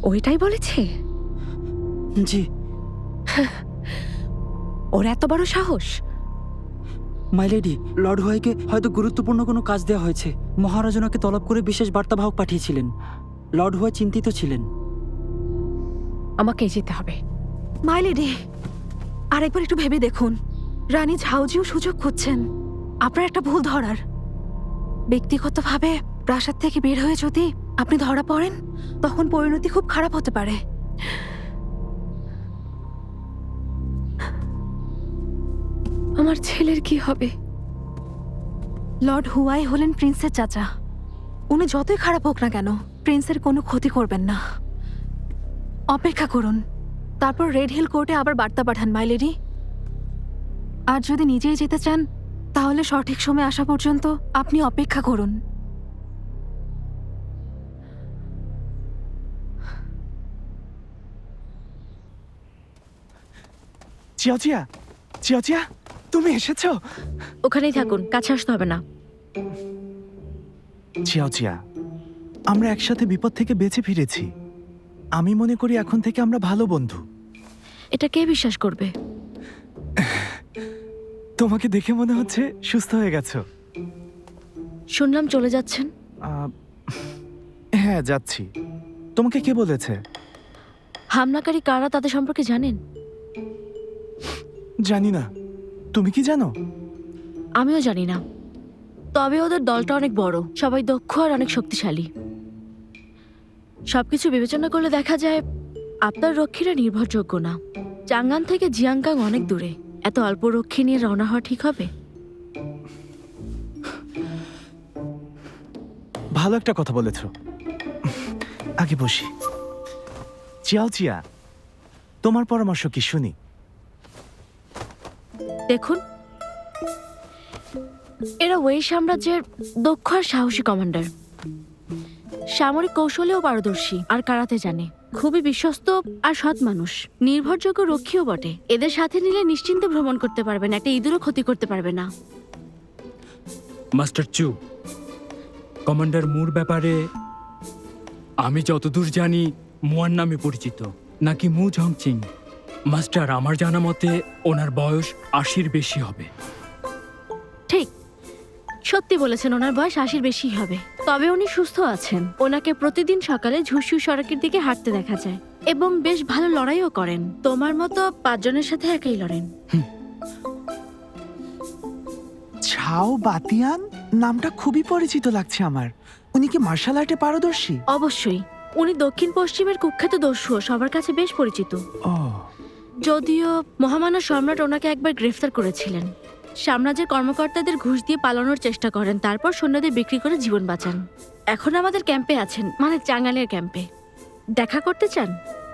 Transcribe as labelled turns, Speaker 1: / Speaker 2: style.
Speaker 1: ওইটাই বলেছে?
Speaker 2: জি।
Speaker 1: ওর এত বড় সাহস!
Speaker 2: মাই লেডি, লর্ড হুয়াইকে হয়তো গুরুত্বপূর্ণ কোনো কাজ দেওয়া হয়েছে। মহারাজ ওনাকে তলব করে বিশেষ বার্তাবাহক পাঠিয়েছিলেন। লর্ড হুয়াই চিন্তিত ছিলেন।
Speaker 1: আমাকে যেতে হবে।
Speaker 3: মাইলেডি, আরেকবার একটু ভেবে দেখুন। রানী ঝাউজিও সুযোগ খুঁজছেন আপনার একটা ভুল ধরার। ব্যক্তিগতভাবে প্রাসাদ থেকে বের হয়ে যদি আপনি ধরা পড়েন, তখন পরিণতি খুব খারাপ হতে পারে।
Speaker 1: আমার ছেলের কি হবে?
Speaker 3: লর্ড হুয়াই হলেন প্রিন্সের চাচা। উনি যতই খারাপ হোক না কেন, প্রিন্সের কোনো ক্ষতি করবেন না। অপেক্ষা করুন, তারপর রেড হিল কোর্টে আবার বার্তা পাঠান মাইলেডি। আর যদি নিজেই যেতে চান, তাহলে সঠিক সময় আসা পর্যন্ত আপনি অপেক্ষা করুন।
Speaker 4: চিয়াচিয়া, চিয়াচিয়া, তুমি এসেছো?
Speaker 1: ওখানেই থাকুন, কাছে আসতে হবে না।
Speaker 4: চিয়াচিয়া, আমরা একসাথে বিপদ থেকে বেঁচে ফিরেছি। আমি মনে করি এখন থেকে আমরা ভালো বন্ধু।
Speaker 1: এটা কে বিশ্বাস করবে?
Speaker 4: তোমাকে দেখে মনে হচ্ছে সুস্থ হয়ে গেছো।
Speaker 1: শুনলাম চলে যাচ্ছেন।
Speaker 4: হ্যাঁ, যাচ্ছি। তোমাকে কে বলেছে?
Speaker 1: হামলাকারী কারা তাদের সম্পর্কে জানেন?
Speaker 4: জানি না, তুমি কি জানো?
Speaker 1: আমিও জানি না, তবে ওদের দলটা অনেক বড়, সবাই দক্ষ আর অনেক শক্তিশালী। সবকিছু বিবেচনা করলে দেখা যায় আপনার রক্ষীরা নির্ভরযোগ্য না। চাঙ্গান থেকে জিয়াংগাং অনেক দূরে, এত অল্প রক্ষী নিয়ে রওনা হওয়া ঠিক হবে?
Speaker 4: ভালো একটা কথা বলেছ। আগে বসি। চিয়াচিয়া, তোমার পরামর্শ কি শুনি?
Speaker 1: দেখুন, এরা ওয়েই সাম্রাজ্যের দক্ষ আর সাহসী কমান্ডার। সামরিক কৌশলেও পারদর্শী আর কারাতে জানে। খুবই বিশ্বস্ত আর সৎ মানুষ, নির্ভরযোগ্য রক্ষীও বটে। এদের সাথে নিলে নিশ্চিন্তে ভ্রমণ করতে পারবেন, একটা ইঁদুরও ক্ষতি করতে পারবে না।
Speaker 5: মাস্টার চু, কমান্ডার মুর ব্যাপারে আমি যতদূর জানি মুয়ার নামে পরিচিত, নাকি মু ঝংচিং। মাস্টার, আমার জানা মতে ওনার বয়স ৮০-র বেশি হবে।
Speaker 1: ঠিক, সত্যি বলেছেন, ওনার বয়স ৮০-র বেশি হবে। তবে উনি সুস্থ আছেন। ওনাকে প্রতিদিন সকালে ঝুসু সড়কের দিকে হাঁটতে দেখা যায় এবং বেশ ভালো লড়াইও করেন। তোমার মতো ৫ জনের সাথে একাই লড়েন।
Speaker 4: ছাও বাতিয়ান নামটা খুবই পরিচিত লাগছে আমার। উনি কি মার্শাল আর্টে পারদর্শী?
Speaker 1: অবশ্যই, উনি দক্ষিণ পশ্চিমের কুখ্যাত দস্যু, সবার কাছে বেশ পরিচিত।
Speaker 4: ও,
Speaker 1: যদিও মহামান্য সম্রাট ওনাকে একবার গ্রেফতার করেছিলেন। সাম্রাজ্যের কর্মকর্তাদের ঘুষ দিয়ে পালানোর চেষ্টা করেন, তারপর সৈন্যদের বিক্রি করে জীবন বাঁচান। এখন আমাদের ক্যাম্পে আছেন, মানে চাঙ্গানের ক্যাম্পে। দেখা করতে চান?